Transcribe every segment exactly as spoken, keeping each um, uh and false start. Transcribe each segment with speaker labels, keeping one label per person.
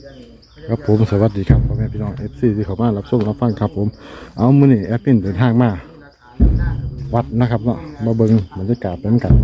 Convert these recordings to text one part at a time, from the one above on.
Speaker 1: ครับผมสวัสดีครับพ่อแม่พี่น้องเอฟซีที่เข้ามารับชมรับฟังครับผมเอามื้อนี้แอปปินเดินทางมาวัดนะครับเนาะมาเบิ่งบรรยากาศเป็นกัน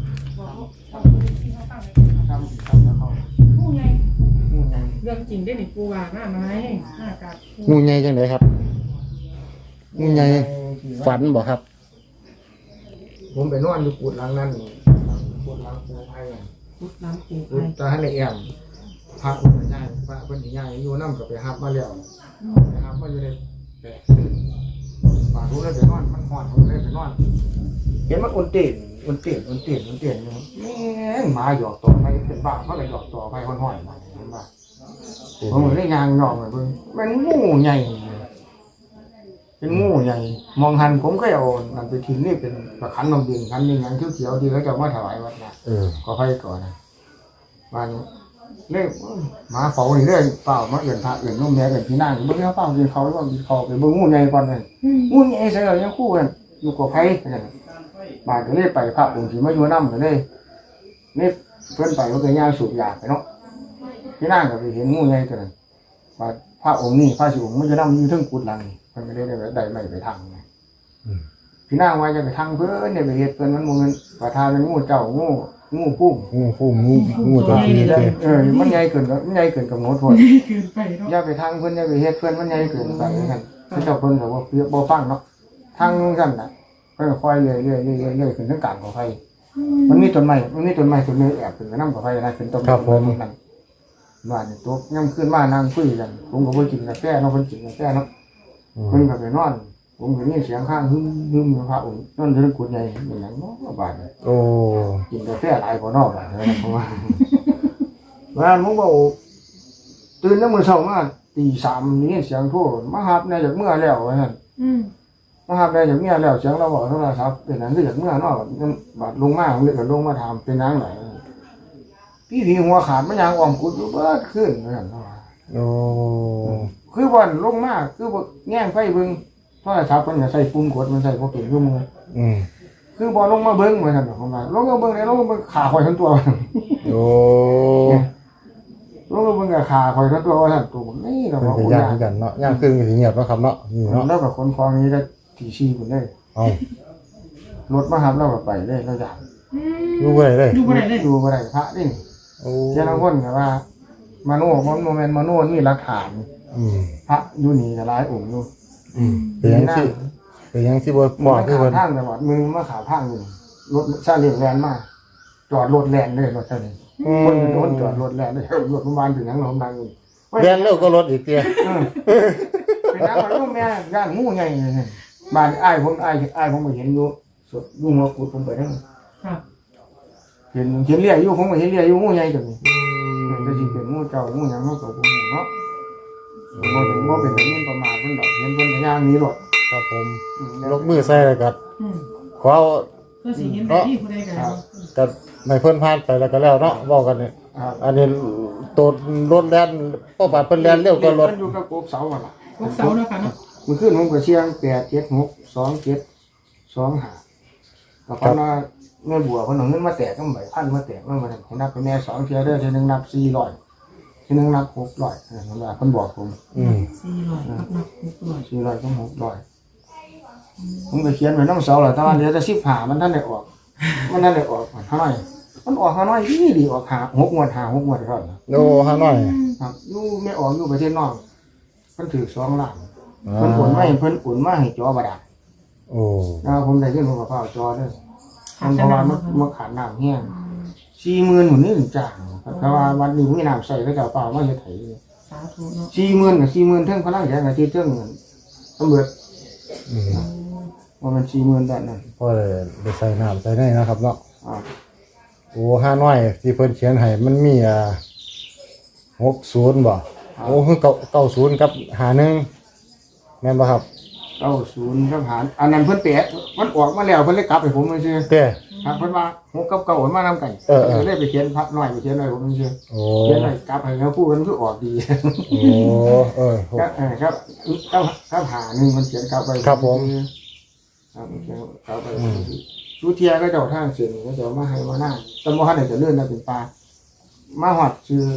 Speaker 2: เรื่องจริงได้หนิปูว่าหน้าไม้หน้ากาด
Speaker 1: งูใหญ่จังไดครับงูใหญ่ฝันบ่ครับ
Speaker 3: ผมไปนอนอยู่กุดหลังนั้นกุดหลังปูไผ่
Speaker 2: พุทธน้ำปู
Speaker 3: กุ
Speaker 2: ไผ่
Speaker 3: ดตาให้ละเอียดพระอุปญาพระเพิ่นสิย้ายอยู่นำก็ไปหับมาแล้วไปหับมาอยู่ในแปดคืนป่ารู้เลยไปนอนมันฮ้อนผมเลยไปนอนเห็นมันอุ่นเต้นอุ่นเต้นอุ่นเต้นอุ่นเต้นอยู่แม่งหมาหยอกต่อไปเป็นบ้าเพราะอะไรหยอกต่อไปฮ้อนๆมาเห็นบ่ผมเลยได้ยางหยอกเบิ่งมันงูใหญ่เป็นงูใหญ่มองหันผมก็เอานั่นไปทิ้งนี่เป็นประคันนมดินคันนี้หยังเขียวๆที่เขาจะมาถวายวัดนะ
Speaker 1: เออ
Speaker 3: ก็ไปก่อนนะวันเล่หมาเฝ้านี่เรื่อยเปล่ามาเอื่นพระเอื่นนุ่มแม่เอื่นพี่นางเบิ่งเปล่ากินเขาว่ากินเขาไปเบิ่งงูใหญ่ก่อนเลยงูใหญ่ใส่เรายังคู่กันอยู่กับไผบาดก็เลยไปพระองค์ที่มาอยู่น้ำกันเลยนี่เพื่อนไปก็เคยย่างสูบยาไปเนาะพี่นางก็ไปเห็นงูใหญ่ตัวนั้นบาดพระองค์นี่พระสิองค์มันจะน้ำอยู่ทั้งกุดหลังนี่มันไม่ได้ได้ได้ไม่ไปทางไงพี่นางว่าจะไปทางเพื่อนเนี่ยไปเฮ็ดเพื่อนมันมองเงินประธานเป็นงูเจ้างูงูพุ่ง
Speaker 1: งูฟูงูงูตัวนี้เด้
Speaker 3: เออมันใหญ่เกินก็มันใหญ่เกินกับโน้ตพอด
Speaker 2: เกินไปเนาะ
Speaker 3: อย่าไปทางเพิ่นอย่าไปเฮ็ดเพิ่นมันใหญ่เกินไปนั่นคือเจ้าเพิ่นก็บ่เปียบ่ฟังเนาะทางนู้นซั่นน่ะเพิ่นก็ค่อยเรื่อยๆเรื่อยๆเรื่อยๆขึ้นทางกลางของไผมันมีต้นไม้มันมีต้นไม้ต้นนึงแอบขึ้นไปนำกับไผนะขึ้นต้นไม้นั่นบ้านนี่ตกย่ำขึ้นมานั่งคุยกันผมก็บ่กินกาแฟเนาะเพิ่นกินกาแฟเนาะเพิ่นก็ไปนอนผมก็มีเสียงข้างฮึมๆพระองค์นอนอยู่ในกุฏิใหญ่เป็นหยังเนาะบ้านนี่
Speaker 1: โอ้
Speaker 3: กินกาแฟหลายกว่านอกบ้านนะเพราะว่าบ้านผมก็ตื่นแล้วมื้อเช้ามาตีสามนี่เสียงโทรมาหับในจากเมื่อแล้วว่าซั่น
Speaker 2: อืม
Speaker 3: มาหับในจากเมื่อแล้วเสียงเราบอกโทรศัพท์เป็นหยังคือจากเมื่อเนาะบาดลงมาเลยก็ลงมาถามเป็นหยังไหนพี่ผีหัวขาดมันยังอ้อมกุดอยู่เบิดขึ้นว่าซั่นเนาะ
Speaker 1: โอ้
Speaker 3: คือบ่อนลงมาคือบ่แง่งไฟเบิ่งโทรศัพท์เพิ่นก็ใส่ปุ่มกดมันใส่บ่เป็นคือมือ
Speaker 1: อืม
Speaker 3: คือบ่ลงมาเบิ่งว่าซั่นเนาะผมว่าลงมาเบิ่งได้ลงมาเบิ่งขาข่อยทั้งตัว
Speaker 1: โอ้
Speaker 3: ลงมาเบิ่งกับขาข่อยทั้งตัวว่าซั่นตัวผมนี่ก็
Speaker 1: เป็น
Speaker 3: บ่
Speaker 1: ไป
Speaker 3: โอ้
Speaker 1: ย่าง
Speaker 3: ย
Speaker 1: คือกันเนาะย่างครึ่งสิเงียบเนาะครับเนาะนี่เนาะ
Speaker 3: แล้วก็คนคลองนี้ได้ที่ชี้พุ่นได้
Speaker 1: เอา
Speaker 3: รถมาหับเราก็ไปได้เราอยาก
Speaker 2: อืม
Speaker 1: ดูบ่ได้เลย
Speaker 2: ดูบ่ได้เลย
Speaker 3: ดูบ่ได้พระนี่
Speaker 1: โอ้
Speaker 3: เจ้าลางคนก็ว่ามโนมันโมเมนต์มโนมีหลักฐาน
Speaker 1: อืม
Speaker 3: พระอยู่นี่ก็หลายองค์อยู่
Speaker 1: อืมเป็นหยังสิเป็นหยังสิบ่บ่
Speaker 3: มา
Speaker 1: คือ
Speaker 3: ขา
Speaker 1: เพิ่น
Speaker 3: ทางจังหวัดมึงมาขาทางอยู่รถซาเล้งแล่นมาจอดรถแล่นเลยรถซาเล้ง
Speaker 1: อืม
Speaker 3: คนอยู่โดนจอดรถแล่นเลยรถประมาณถึงหยังหนองดังอยู่
Speaker 1: แล่นเร็วก็รถอีกเตี้ย
Speaker 3: เออเป็นนักมันลูกแม่ย่างงูใหญ่เลยบ้านอ้ายผมอ้ายอ้ายผมก็เห็นอยู่สดอยู่หัวกุดผมไปทั้ง
Speaker 2: ครับ
Speaker 3: เห็นเห็นเลี้ยอยู่ผมก็เห็นเลี้ยอยู่งูใหญ่ตัวนี้แต่สิเป็นงูเจ้างูหยังเฮาก็บ่รู้เนาะบ่ถึงบ่เป็นแบบนี้ประมาทเพิ่นดอกเห็นเพิ่นก็ย่างหนี้รถ
Speaker 1: ครับผม
Speaker 3: อืม
Speaker 1: ลกมือใส่แล้วก็
Speaker 2: อืม
Speaker 1: ขอเอา
Speaker 2: เพื่อสิเห็นได้ที่ผู้ใดกัน
Speaker 1: ก็ไม่เพิ่นผ่านไปแล้วก็แล้วเนาะเว้ากันนี่
Speaker 3: ครับ
Speaker 1: อันนี้ตัวรถแล่นพอปาดเพิ่นแล่นเร็วก็รถ
Speaker 3: มันอยู่กับกบเสาหั่นล่ะ
Speaker 2: พวกเสาเนาะค่ะเนาะ
Speaker 3: มื้อคืนผมก็เชียงแปด เจ็ด หก สอง เจ็ด สอง ห้าก็เพราะว่าแม่บัวเพิ่นเอาเงินมาแตกนำใบพันมาแตกนำมาให้นับไปแม่สองเที่ยเด้อเที่ยนึงนับสี่ร้อยเที่ยนึงนับหกร้อยนั่นล่ะเพิ่นบอกผม
Speaker 1: อืม
Speaker 2: สี่ร้อยนับนับหกร้อย
Speaker 3: สี่ร้อยก็หกร้อยผมก็เขียนไว้น้ำเสาแหละแต่ว่าเดี๋ยวจะสิบหามันท่านได้ออก มันท่านได้ออกห้าน้อยมันออกห้าน้อยที่ดีออกหาหกงวดหาหกงวดเท่านั้น
Speaker 1: โอ้ฮาหน่อย
Speaker 3: ครับอยู่ไม่ออกอยู่ประเทศนอกเพิ่นถือสองล้าน
Speaker 1: อ่า
Speaker 3: เพิ่นโอนมาให้เพิ่นโอนมาให้จอบาดาล
Speaker 1: โอ้
Speaker 3: แล้วผมได้ขึ้นผมก็เฝ้าจอเด้อ
Speaker 2: ขา
Speaker 3: มั
Speaker 2: ด
Speaker 3: นเพ
Speaker 2: แต่
Speaker 3: ราะว่า
Speaker 2: น้ำ
Speaker 3: มัน
Speaker 2: เนาะ
Speaker 3: มันขาดน้ำแห้งสี่หมื่นหมุนนี่ถึงจ้างแต่ว่าวันนี้มีน้ำใส่ก็จะเอาเปล่ามาเฮ็ดไถ
Speaker 2: สาธุเนาะ
Speaker 3: สี่หมื่นกับสี่หมื่นเท่งพลังแรงกับที่เท่งเงินตำรวจ
Speaker 1: อืม
Speaker 3: ว่ามันสี่หมื่นด้านนั้น
Speaker 1: พอได้ได้ใส่น้ำใส่ในนะครับเนาะ
Speaker 3: อ่า
Speaker 1: โอ้ฮาหน่อยที่เพิ่นเขียนให้มันมีอ่าหกศูนย์บ่โอ้คือเก้าเก้าศูนย์กับหาหนึ่งแม่นบ่ครับ
Speaker 3: เก้าศูนย์ครับหารอันนั้นเพิ่นแปะมันออกมาแล้วเพิ่นเลยกลับให้ผมมาซื่อ
Speaker 1: เต้
Speaker 3: ครับเพิ่นว่าหกกับเก้ามันมานำกัน
Speaker 1: เออเออ
Speaker 3: เลยไปเขียนพักหน่อยไปเขียนหน่อยผมมาซื่อ
Speaker 1: โอ้
Speaker 3: เขียนหน่อยกลับให้เขาพูดกันคือออกดี
Speaker 1: โอ้เออ
Speaker 3: ครับเออครับครับครับหาหนึ่งมันเขียนกลับไป
Speaker 1: ครับผม
Speaker 3: ครับมันเขียนกลับไปชูเทียก็เจ้าทางเสียนก็จะมาให้มาหน้าแต่บ่ทันได้จะเลื่อนนะเป็นปลามาฮอดชื่อพ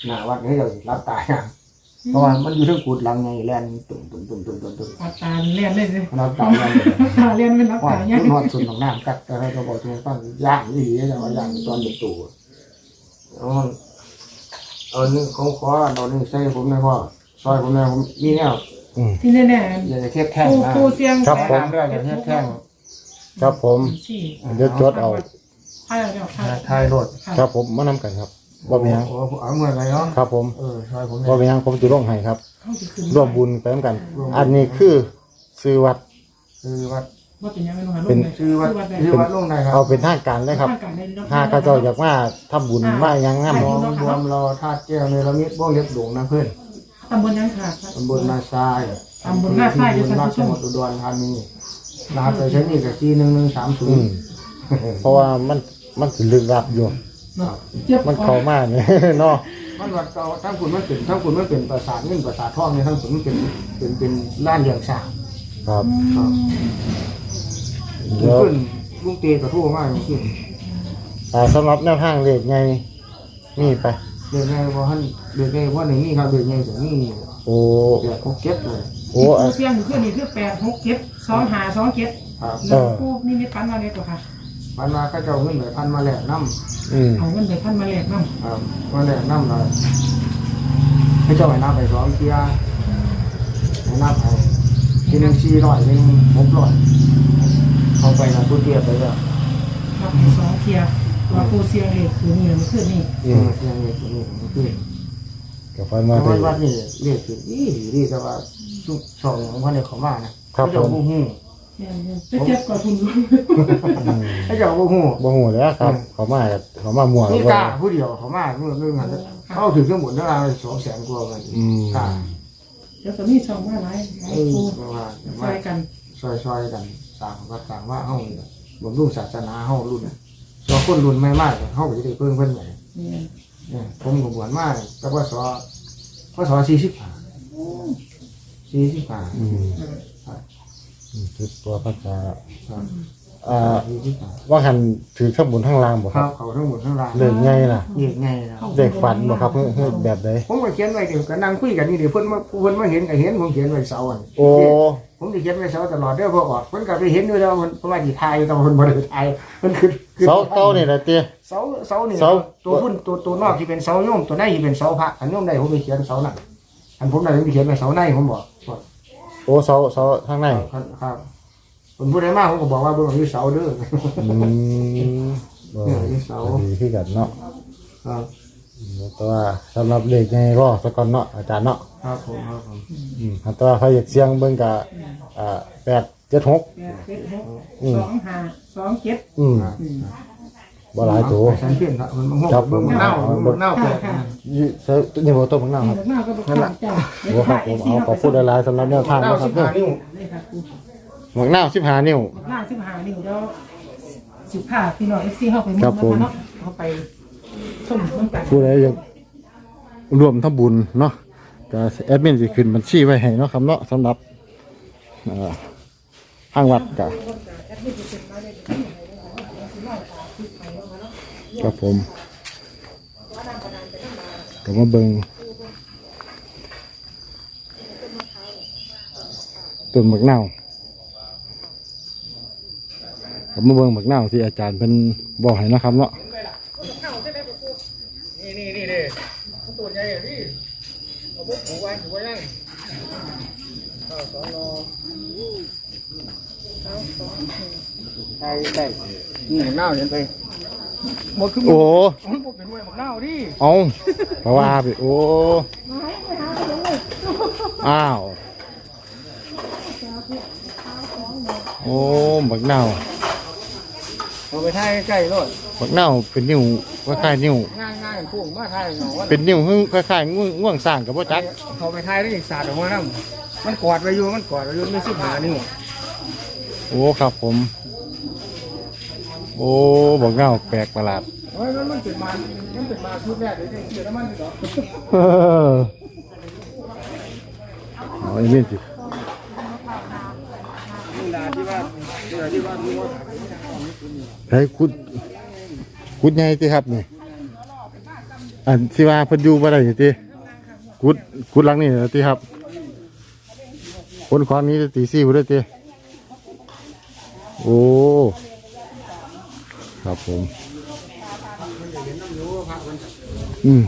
Speaker 3: หน้าวัดให้เรารับตายนะเพราะว่ามันอยู่ทั้งกุดหลังไงแลนตุ่มตุ่มตุ่มตุ่มตุ่มตุ่ม
Speaker 2: รับตาเลียนเลยสิ
Speaker 3: รับตายแลน
Speaker 2: ตาเลียนเป็นรับ
Speaker 3: ว่า
Speaker 2: ตาเนี่ย
Speaker 3: นอนสุดของน้ำกัดแต่เราก็บอกทุกคนย่างนี่ดีแต่ว่าย่างตอนเด็กตู่เอาเอานี่เขาขอเอานี่ใส่ผมเลยพ่อซอยผมเลยผมมีแนว
Speaker 1: อืม
Speaker 2: ที่แน่
Speaker 3: อย่าจะเทียบแท่ง
Speaker 2: ๆปู
Speaker 3: นะ
Speaker 2: ปูเสียง
Speaker 1: ครับผม
Speaker 3: เรื่องอย่าเทียบแท่ง
Speaker 1: ครับผม
Speaker 2: สี่
Speaker 1: เดี๋ยวจดเอา
Speaker 2: ไพ่เดียวไพ่
Speaker 3: ทายรถ
Speaker 1: ครับผมมานำกันครับบ่มีหยัง
Speaker 3: โอ้เอาเมื่อไรเนาะ
Speaker 1: ครับผม
Speaker 3: เออซอยผม
Speaker 1: บ่
Speaker 3: เนี่ย
Speaker 1: มีหยังผมสิลงให้ครับ
Speaker 2: เข้าไปขึ้น
Speaker 1: ร่วมบุญไปนำกัน อันนี้คือซื้อวัด
Speaker 3: คือวัด
Speaker 2: ว่าเป็นยังไงบ้าง
Speaker 1: เป็น
Speaker 3: คือวัดคือวัดลงไหนครับ
Speaker 1: เอาเป็นทางการเลยครับถ้าเขาเจ้าอยากมาทำบุญมาหยังงาม
Speaker 3: รวมรวมรอธาตุแก้วในระมิดบ้องเล็บหลวงนะเพื่อน
Speaker 2: ตำบลยังขาด
Speaker 3: ตำบลนาทราย
Speaker 2: ตำบลนาทรายอยู่
Speaker 3: ตำบล
Speaker 2: ท่าน
Speaker 3: นา
Speaker 2: ผู้ช
Speaker 3: จัง
Speaker 2: ม
Speaker 3: หวัดอุดรธานีรหัสไปใช้นี่กับที่หนึ่งหนึ่งสามศู
Speaker 1: อื
Speaker 3: น
Speaker 1: ม
Speaker 3: ย์
Speaker 1: เพราะว่ามันมันสิลึกลับอยู่
Speaker 2: เจ็บ
Speaker 1: มันเข้ามาเนี่ย เนาะ
Speaker 3: มันวัดเก่าทั้งคุณมันเป็นทั้งคุณมันเป็นปราสาทเงินปราสาททองเนี่ยทั้งคุณมันเป็นเป็นเป็นล้านเลียงสร้าง
Speaker 1: ครับ
Speaker 3: ครับ
Speaker 1: เดี๋ยว
Speaker 3: ขึ้นลุงเตยกระทู้มากขึ้น
Speaker 1: อ่าสำหรับแนวทางเลขไงนี่ไป
Speaker 3: เดือนไงว่าท่านเดือนไงว่าหนึ่งนี่ครับเดือนไงถึงนี่
Speaker 1: โอ้
Speaker 3: เดือนเขาเก็บเลย
Speaker 1: โอ้
Speaker 2: ปู
Speaker 1: อ่ะ
Speaker 2: เสียงอยู่ขึ้นนี่คือแปดหกเจ็ดสองหาสองเจ็ด
Speaker 3: ครับ
Speaker 2: แล้วปูนี่มีปันมาเลยกว่าค่ะ
Speaker 3: พันมาก็จะเอาเงินไปพันมาแหลกน้
Speaker 1: อืม
Speaker 2: เอาเงินไปพันมาแลกน้ำ
Speaker 3: ำครับมาแหลกน้ำเลยให้เจ้าไปนับไปสองเที่ยให้นับไปทีหนึ่งสี่ร้อยทีหนึ่งหกร้อยเขาไปนะทุกเที่ยไปแล้ว
Speaker 2: ครับสองเทียว่าปูเสียงเลยคือนี่มันขึ้นนี่
Speaker 3: อืมเที่ยงนี้ตัวนี้มันขึ้น
Speaker 1: กับฟัน
Speaker 3: แต่
Speaker 1: มาได้
Speaker 3: ว่าวัดนี่เรียกคือดีดีแต่ว่าทุกสองของพันเนี่ยเขามานะครับ เขาจะ
Speaker 1: ผม
Speaker 3: บูฮู้
Speaker 2: จะเจ็บกว่าคุณ
Speaker 3: ให้เจ้าบูฮู้
Speaker 1: บ่ฮู้แล้วครับ เขามากับเขามามั่ว
Speaker 3: นี่
Speaker 1: บ่
Speaker 3: กล้าผู้เดียวเขามาเมื่อเรื่องนั้นเขาถึงเครื่องหมุนได้สองแสนกว่ากัน
Speaker 1: อืม
Speaker 3: กล้า
Speaker 2: เดี๋ยวตอนนี้ช่องว่าไร
Speaker 3: เออ
Speaker 2: ปู
Speaker 3: เพราะว่า
Speaker 2: ซอยกัน
Speaker 3: ซอยซอยๆกันต่างก็ต่างว่าเฮาบำรุงศาสนาเฮารุ่นสอคนรุ่นใหม่มากเฮาก็จะได้เพิ่มเพิ่นใหญ่
Speaker 2: นี่
Speaker 3: เนี่ยผมก็บวชมาแต่ว่าสอพศสี่สิบห้าสี่สิบห้า
Speaker 1: อืมอืมคือตัวพระจา
Speaker 3: ครับ
Speaker 1: อ่า
Speaker 3: สี่สิบห้า
Speaker 1: ว่าหันถือข้างบนข้างล่างบ่
Speaker 3: ค
Speaker 1: ค
Speaker 3: รั
Speaker 1: รั
Speaker 3: บบ เขาทั้งหมดทั้งราย
Speaker 1: เรื่องไงล่ะ
Speaker 3: เด็กไงนะ
Speaker 1: เด็กฝันบ่ครับเฮ้ยเฮ้ยแบบใด
Speaker 3: ผมก็เขียนไว้เดี๋ยวก็นั่งคุยกันนี่เดี๋ยวเพิ่นมาเพิ่นมาเห็นก็เห็นผมเขียนไว้เสาอัน
Speaker 1: โอ้
Speaker 3: ผมจะเขียนไว้เสาตลอดเด้อพอออกเพิ่นก็ไปเห็นอยู่แล้วมันเพราะว่าสิทายแต่ว่าเพิ่นบ่ได้ทายเพิ่นคือคือ
Speaker 1: เสาเก่านี่แหละเตี้ย
Speaker 3: เสาเสานี่
Speaker 1: เสา
Speaker 3: ตัวพุ่นตัวตัวนอกที่เป็นเสาโยมตัวในที่เป็นเสาพระอันโยมได้ผมไปเขียนเสานั่นอันผมได้ผมไปเขียนไว้เสาในผมบอกบอก
Speaker 1: โอ้เสาเสาข้างใน
Speaker 3: ครับครับผมพูดได้มากผมก็บอกว่าเบิ่งอยู่เสาเด้อ
Speaker 1: อืมบ่
Speaker 3: เนี่ยที่เสา
Speaker 1: ดีคือกันเนาะ
Speaker 3: ครับ
Speaker 1: แต่ว่าสำหรับเลขไงรอสักก่อนเนาะอาจารย์เนาะ
Speaker 3: ครับผมครับผม
Speaker 1: อืมแต่ว่าเขาอยากเสียงเบิ่งกะอ่าแปดเจ็ดหก
Speaker 2: แปดเจ็ดหกสองห้าสองเจ็ด
Speaker 1: อืมบ่หลายตัว
Speaker 3: ฉันเพี้ยนละมันมัน
Speaker 1: ครับ
Speaker 3: เบิ่งมันเน่าเบิ่งมันเน่าแปลก
Speaker 1: ยี่เซอนี่บ่ตัวของน้าครับ
Speaker 2: หน้าก็บอกข้างจ้า
Speaker 1: โอ้ครับผมเอาขอพูดหลายๆสำหรับแนวทาง
Speaker 3: เน่า
Speaker 1: นะค
Speaker 3: สิ
Speaker 1: รั
Speaker 3: บบ ห้านิ้ว
Speaker 2: นี่ครับ
Speaker 1: หมวกหน้าสิบห้านิ้ว
Speaker 2: หน้าสิบห้านิ้วแล้วสิบห้าพี่น้องเอฟซีเข้าไปมุ่ง
Speaker 1: ครับผม
Speaker 2: เนาะเข้าไปชมน้ำกัน
Speaker 1: ผู้ใดอยากรวมทำบุญเนาะก็แอดมินสิขึ้นบัญชีไว้ให้เนาะครับเนาะสำหรับเอ่อทางวัดก็ครับผมก็มาเบิ่งต้นหมากนาวก็มาเบิ่งหมากนาวที่อาจารย์เป็นบอกให้เนาะครับเนาะ
Speaker 3: นี่นี่นี่เลยตัวใหญ่อ่ะพี่เอาพวกผูไว้ผูไว้ยังข้าวสองรอใช่ใช่นี่หมกเน่าเห็นไปหมดคือหม
Speaker 1: โอ้
Speaker 3: ดมันเป็นมวยหมกเน่าดิ
Speaker 1: เอาเพราะว่าไปโอ้อ้าวโอ้บักเน่า
Speaker 3: เอาไปท่ายใกล้ๆรถ
Speaker 1: บักเน่าเป็นนิ้วคล้ายๆนิ้ว
Speaker 3: ง่ายง่ายพุ่งมาท่ายหนอว่า
Speaker 1: เป็นนิ้วคล้ายๆง่วงง่วงสร้างกับพ่อจัก
Speaker 3: เขาไปท่ายได้อีกศาสตร์ออกมาแล้วมันกอดไว้อยู่มันกอดไว้อยู่ไม่สิบหานิ้ว
Speaker 1: โอ้ครับผม โอ้บักเน่าแปลกประหลาด
Speaker 3: เฮ้ยมันมันเป็นมามันเป็นมาชุดแรกเลยเกี่ยวน้ำมันเหรอ
Speaker 1: เออเอาไอ้นี่สิ
Speaker 3: นี่ลาที่ว่าที่ว่าที่ว่าที่ว่า
Speaker 1: ให้คุดคุดใหญ่สิครับนี่อันที่ว่าเพิ่นอยู่บ่ได้ติกุดกุดหลังนี่ติครับคนของนี้ตีสี่บ่ได้ติโอ้ครับผมอืม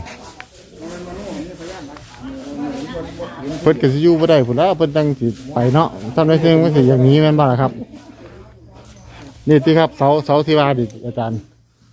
Speaker 1: เพิ่นก็สิอยู่บ่ได้พุ่นล่ะเพิ่นตั้งสิไปเนาะทำได้ซึ่งมันสิอย่างนี้แม่นบ่ล่ะครับนี่ติครับเสาเสาที่ว่าดิอาจารย์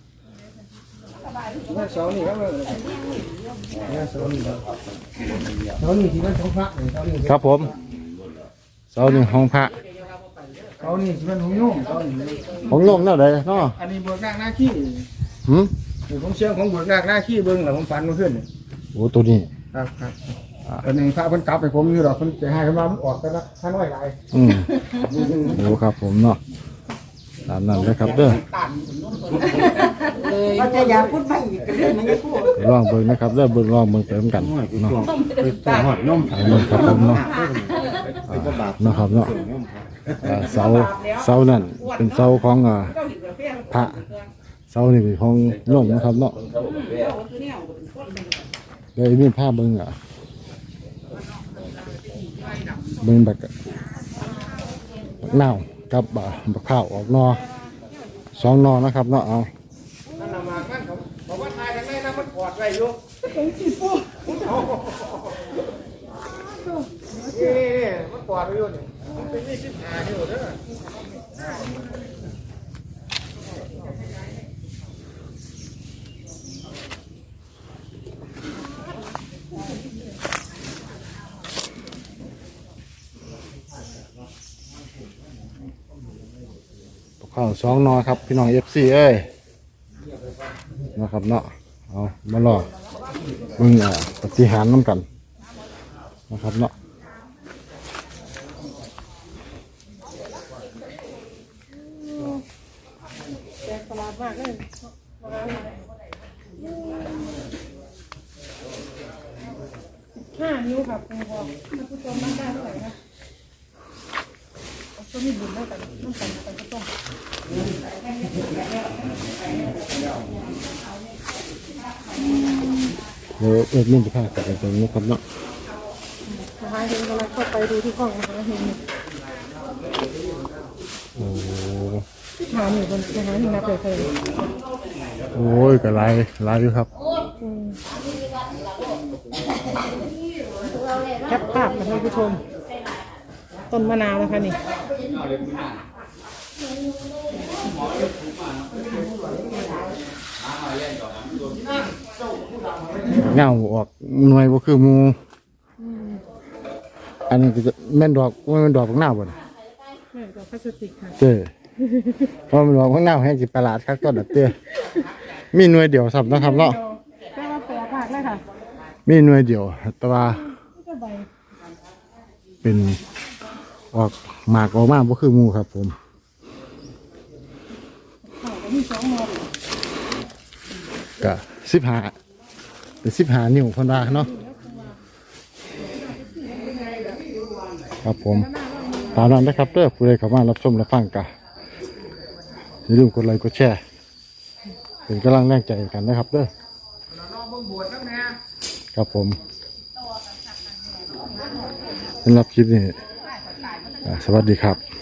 Speaker 3: เสานี่ครับเสานี่เสานี่ที่มันของพระเสานี่
Speaker 1: ครับผมเสานี่ห้องพระ
Speaker 3: เสานี่ที่มันของโยมเสานี่
Speaker 1: ของโยมแนวใดเนาะ
Speaker 3: อันนี้บวกนากหน้าขี้
Speaker 1: หืม
Speaker 3: นี่ผมเชื่อของบวกนากหน้าขี้เบิ่งแล้วผมฝันเมื่อคืนนี่
Speaker 1: โอ้ตัวนี้
Speaker 3: ครับครับอันนี้พระเพิ่นกลับไปผมอยู่ดอกเพิ่นจะให้เพิ่นว่ามันออกกันละท่านน้อยหลาย
Speaker 1: อืมโอ้ครับผมเนาะตามนั้นเลยครับเด้อ
Speaker 4: เราจะอยากพูดไปอีกเรื่องนี้พูด
Speaker 1: ลองเบิ่งนะครับเด้อเบิ่งลองเบิ่งไปเหมือนกันเนาะ
Speaker 5: หอดนม
Speaker 1: เอาเบิ่งครับผมเนาะอ่าเนาะครับเนาะอ่าเสาเสานั่นเป็นเสาของอ่าพระเสานี่เป็นของโยมนะครับเนาะเดี๋ยวมีภาพเบิ่งอ่ะเบิ่งแบบบักนาวกับอ่าบักข้าวออกนอสองนอนะครับเนาะเอา
Speaker 3: นั่นน่ะมากันเขาบอกว่าทายทางในนะมันกอดไว้อยู่นี่นี่มันกอดไว้อยู่นี่มันเป็นยี่สิบห้าอยู่เด้อ
Speaker 1: ข้าวสองนอครับพี่น้องเอฟซีเอ้ยนะครับเนาะเอามารอมึงอ่ะปฏิหารน้ำกันนะครับเนาะ
Speaker 2: แปลกประหลาดมากเลยห้านิ้วครับคุณพ่อท่านผู้ชมนั่งได้เท่าไหร่คะก็มีบุญเท่ากันต้องกันไปก็ต้อง
Speaker 1: เดี๋ยวเอ็ดมินจะพากันไปตรงนี้ครับเนาะ
Speaker 2: มหาเฮงกำลังเข้าไปดูที่ห้องมหาเฮง
Speaker 1: โอ้
Speaker 2: ที่ถามอยู่บนมหาเฮงนับเลยเคย
Speaker 1: โอ้ยก็หลายหลายอยู่ครับ
Speaker 2: แคปภาพนะท่านผู้ชม ต้นมะนาวนะคะนี่
Speaker 1: เงาออกหน่วยบ่คือหมูอันนี้ก็จะแม่นดอกว่าแม่นดอกของหน้าบ่น
Speaker 2: แม่ดอกพลาสติกค่ะ
Speaker 1: เจ้เพราะมันดอกของหน้าให้สิประหลาดครับต้นน่ะเต้มีหน่วยเดียวสับนะครับเนาะ
Speaker 2: แปลว่าแปลภาคเลยค่ะ
Speaker 1: มีหน่วยเดียวแต่ว่า
Speaker 2: นี่ก็ใบ
Speaker 1: เป็นออกหมากออกมาบ่คือหมูครับผม
Speaker 2: ข้าวก็มีสองหมด
Speaker 1: ก็สิบห้าเป็นสิบห้านิ้วเพิ่นว่าเนาะครับผมตามนั้นนะครับเด้อผู้ใดเข้ามารับชมรับฟังก็อย่าลืมกดไลค์กดแชร์เป็นกำลังแรงใจกันนะครับเด้อครับผมสำหรับคลิปนี้อ่าสวัสดีครับ